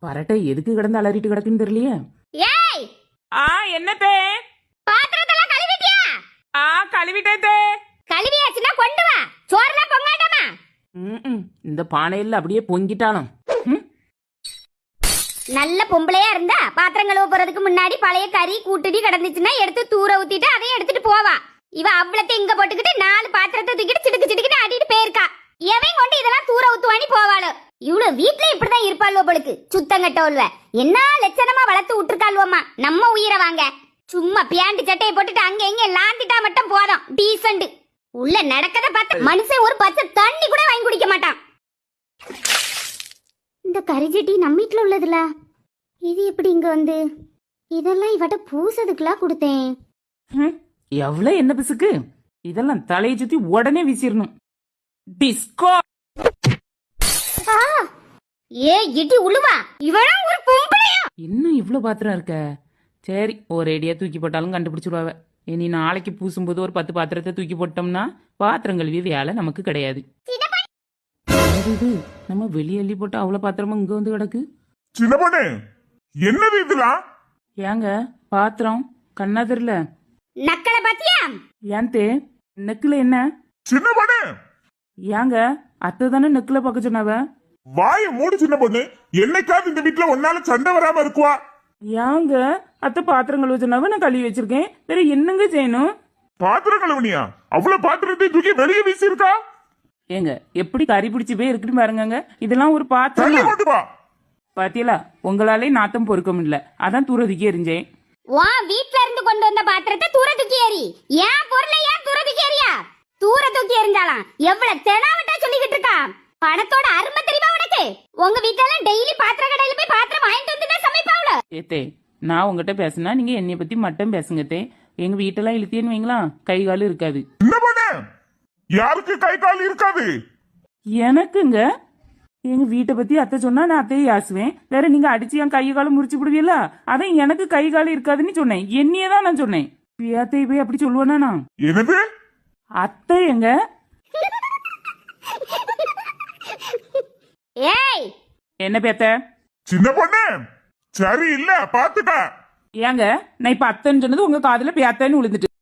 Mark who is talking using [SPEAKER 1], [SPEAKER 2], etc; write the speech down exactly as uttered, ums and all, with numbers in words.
[SPEAKER 1] பரட்டை எதுக்கு கிடந்து அலறிட்டு கிடக்குன்னு தெரியலையே.
[SPEAKER 2] ஏய்
[SPEAKER 1] ஆ என்னத்தே?
[SPEAKER 2] பாத்திரத்தெல்லாம் கழுவிட்டியா?
[SPEAKER 1] ஆ கழுவிட்டே.
[SPEAKER 2] கழுவியாச்சுன்னா கொண்டு வா. சோறுலாம் பொங்காட்டாமா?
[SPEAKER 1] ம் இந்த பானையில அப்படியே பொங்கிட்டாலும்.
[SPEAKER 2] நல்ல பொம்பளையா இருந்தா பாத்திரம் கழுவ போறதுக்கு முன்னாடி பழைய கறி கூட்டுடி கிடந்துச்சுன்னா எடுத்து தூர ஊத்திட்டு அதையும் எடுத்துட்டு போவா. இவ அவ்வளத்தை இங்க போட்டுக்கிட்டு நாலு பாத்திரத்தை தூக்கிட்டு சிடுக்கு சிடுக்குன்னு ஆட்டிட்டு போயிருக்கா. எவன் கொண்டு இதெல்லாம் தூர ஊத்துவானி போவாளோ. இவ்வளவு வீட்டுல இப்படிதான் இருப்பாள்வோ பொழுக்கு. சுத்தங்கட்டவள்வ என்ன லட்சணமா வளர்த்து விட்டுருக்காள்வோமா. நம்ம உயிரை வாங்க. சும்மா பியாண்டு சட்டையை போட்டுட்டு அங்க இங்க லாந்திட்டா மட்டும் போதும். டீசண்ட் உள்ள நடக்கத பார்த்து மனுஷன் ஒரு பச்சை தண்ணி கூட வாங்கி குடிக்க மாட்டான். இந்த கரிஜட்டி நம்ம வீட்டுல உள்ளதுல இது எப்படி இங்க வந்து? இதெல்லாம் இவட்ட பூசதுக்குலாம் கொடுத்தேன்.
[SPEAKER 1] எவ்வளவு என்ன பிசுக்கு. இதெல்லாம் தலையை சுத்தி உடனே வீசிடணும். டிஸ்கோ.
[SPEAKER 2] ஏ இடி உழுவா. இவளும் ஒரு பொம்பளையா?
[SPEAKER 1] இன்னும் இவ்வளவு பாத்திரம் இருக்க. சரி ஒரு ஐடியா தூக்கி போட்டாலும் கண்டுபிடிச்சிருவாவ. இனி நாளைக்கு பூசும்போது ஒரு பத்து பாத்திரத்தை தூக்கி போட்டோம்னா பாத்திரம் கழுவி வேலை நமக்கு கிடையாது. இது நம்ம வெளியே அள்ளி போட்டு அவ்வளவு பாத்திரமும் இங்க வந்து கிடக்கு.
[SPEAKER 3] சின்ன பொண்ணு என்னது இதெல்லாம்?
[SPEAKER 1] ஏங்க பாத்திரம் கண்ணா தெரியல.
[SPEAKER 2] நக்கல பாத்தியா?
[SPEAKER 1] ஏன் தே நெக்குல என்ன?
[SPEAKER 3] சின்ன பொண்ணு
[SPEAKER 1] ஏங்க அத்தை தானே நெக்குல பார்க்க சொன்னாவ.
[SPEAKER 3] வாய மூடு சின்ன பொண்ணு. என்னைக்காவது இந்த வீட்டுல ஒன்னால சண்டை வராம இருக்குவா?
[SPEAKER 1] ஏங்க அத்தை பாத்திரம் கழுவ சொன்னாவ நான் கழுவி வச்சிருக்கேன். வேற என்னங்க செய்யணும்?
[SPEAKER 3] பாத்திரம் கழுவனியா? அவ்வளவு பாத்திரத்தை தூக்கி வெளியே வீசி இருக்கா?
[SPEAKER 1] ஏங்க எப்படி கறி பிடிச்சி போய் இருக்குன்னு பாருங்க. இதெல்லாம் ஒரு பாத்திரம். பாத்தியலா உங்களாலே நாத்தம் பொறுக்க முடியல. அதான் தூரத்துக்கே எரிஞ்சேன்.
[SPEAKER 2] வா வீட்ல இருந்து கொண்டு வந்த பாத்திரத்தை தூர தூக்கி எறி. ஏன் பொருளை ஏன் தூர தூக்கி எறியா? தூர தூக்கி எறிஞ்சாலாம் எவ்வளவு தெனாவட்டா சொல்லிக்கிட்டு இருக்கா. பணத்தோட அருமை தெரியுமா உனக்கு? உங்க வீட்ல எல்லாம் டெய்லி பாத்திர கடையில போய் பாத்திரம் வாங்கிட்டு வந்து தான் சமைப்பாவளோ.
[SPEAKER 1] ஏத்தே நான் உங்ககிட்ட பேசினா நீங்க என்னைய பத்தி மட்டும் பேசுங்க தே. எங்க வீட்டெல்லாம் இழுத்தேன்னு வைங்களா கை காலும் இருக்காது.
[SPEAKER 3] யாருக்கு கை கால் இருக்காது?
[SPEAKER 1] எனக்குங்க. எங்க வீட்டை பத்தி அத்தை சொன்னா நான் அத்தையை யாசுவேன். வேற நீங்க அடிச்சு என் கை காலம் முறிச்சு விடுவீல்ல. அதான் எனக்கு கை காலம் இருக்காதுன்னு சொன்னேன். என்னையே தான் நான் சொன்னேன். அத்தையை போய் அப்படி சொல்லுவானா நான்?
[SPEAKER 3] என்னது
[SPEAKER 1] அத்தை எங்க?
[SPEAKER 2] ஏய்
[SPEAKER 1] என்ன பேத்த?
[SPEAKER 3] சின்ன பொண்ணு சரி இல்ல பாத்துக்க.
[SPEAKER 1] ஏங்க நான் இப்ப அத்தைன்னு சொன்னது உங்க காதுல பேத்தன்னு விழுந்துட்டு.